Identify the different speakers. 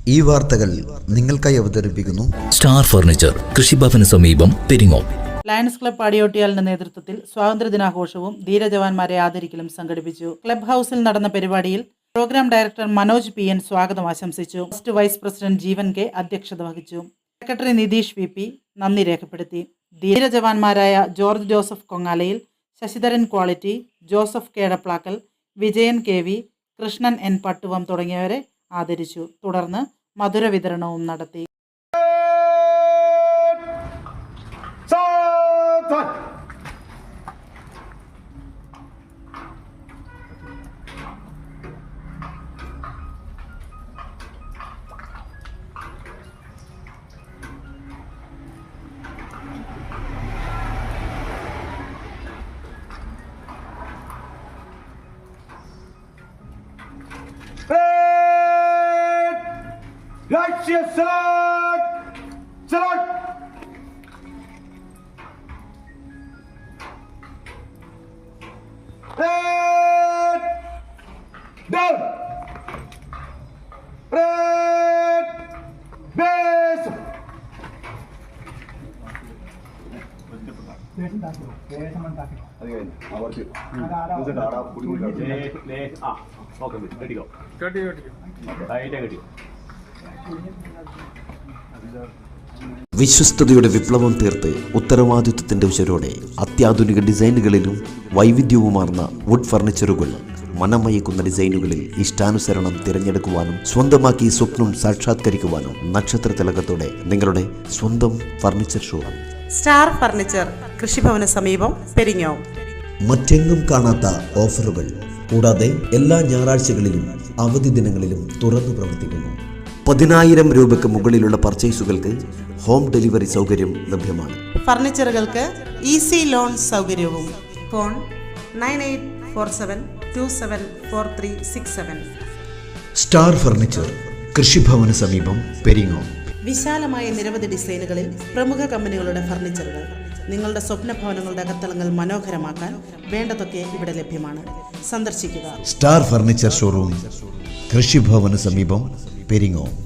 Speaker 1: ഈ വാർത്തകൾ നിങ്ങൾക്കായി അവതരിപ്പിക്കുന്നു
Speaker 2: സ്റ്റാർ ഫർണിച്ചർ, കൃഷിഭവന് സമീപം, പെരിങ്ങോം.
Speaker 3: ലയൺസ് ക്ലബ് പാടിയോട്ടിയാലിന്റെ നേതൃത്വത്തിൽ സ്വാതന്ത്ര്യദിനാഘോഷവും ധീരജവാന്മാരെ ആദരിക്കലും സംഘടിപ്പിച്ചു. ക്ലബ് ഹൗസിൽ നടന്ന പരിപാടിയിൽ പ്രോഗ്രാം ഡയറക്ടർ മനോജ് PN സ്വാഗതം ആശംസിച്ചു. First vice president Jeevan K അധ്യക്ഷത വഹിച്ചു. സെക്രട്ടറി നിതീഷ് VP നന്ദി രേഖപ്പെടുത്തി. ധീരജവാന്മാരായ ജോർജ് ജോസഫ് കൊങ്ങാലയിൽ, Sasidharan quality, Joseph Kedaplakkal, Vijayan KV, Krishnan N Pattuvam തുടങ്ങിയവരെ ആദരിച്ചു. തുടർന്ന് മധുര വിതരണവും നടത്തി.
Speaker 4: രാഷ്ട്രീയ സലാഡ് സലാഡ് ഡൗൺ ബേസ്
Speaker 5: വിശ്വസ്തയുടെ വിപ്ലവം തീർത്ത് ഉത്തരവാദിത്വത്തിന്റെ ഉശരോടെ അത്യാധുനിക ഡിസൈനുകളിലും വൈവിധ്യവുമാർന്ന വുഡ് ഫർണിച്ചറുകൾ, മനമയക്കുന്ന ഡിസൈനുകളിൽ ഇഷ്ടാനുസരണം തിരഞ്ഞെടുക്കുവാനും സ്വന്തമാക്കി സ്വപ്നം സാക്ഷാത്കരിക്കുവാനും നക്ഷത്ര തിലകത്തോടെ നിങ്ങളുടെ സ്വന്തം ഫർണിച്ചർ ഷോ
Speaker 6: സ്റ്റാർ ഫർണിച്ചർ, കൃഷിഭവന് സമീപം, പെരിങ്ങോം.
Speaker 5: മറ്റെങ്ങും കാണാത്ത ഓഫറുകൾ കൂടാതെ എല്ലാ ഞായറാഴ്ചകളിലും അവധി ദിനങ്ങളിലും തുറന്നു പ്രവർത്തിക്കുന്നു. 10,000 രൂപയ്ക്ക് മുകളിലുള്ള പർച്ചേസുകൾക്ക് ഹോം ഡെലിവറി സൗകര്യം ലഭ്യമാണ്.
Speaker 6: ഫർണിച്ചറുകൾക്ക് ഈസി ലോൺ സൗകര്യവും. ഫോൺ 9847274367.
Speaker 1: സ്റ്റാർ ഫർണിച്ചർ, കൃഷിഭവന് സമീപം, പെരിങ്ങോം.
Speaker 6: വിശാലമായ നിരവധി ഡിസൈനുകളിൽ പ്രമുഖ കമ്പനികളുടെ ഫർണിച്ചറുകൾ. നിങ്ങളുടെ സ്വപ്ന ഭവനങ്ങളുടെ അകത്തളങ്ങൾ മനോഹരമാക്കാൻ വേണ്ടതൊക്കെ ഇവിടെ ലഭ്യമാണ്. സന്ദർശിക്കുക.
Speaker 1: സ്റ്റാർ ഫർണിച്ചർ ഷോറൂം, കൃഷിഭവന് സമീപം, പെരിങ്ങോം.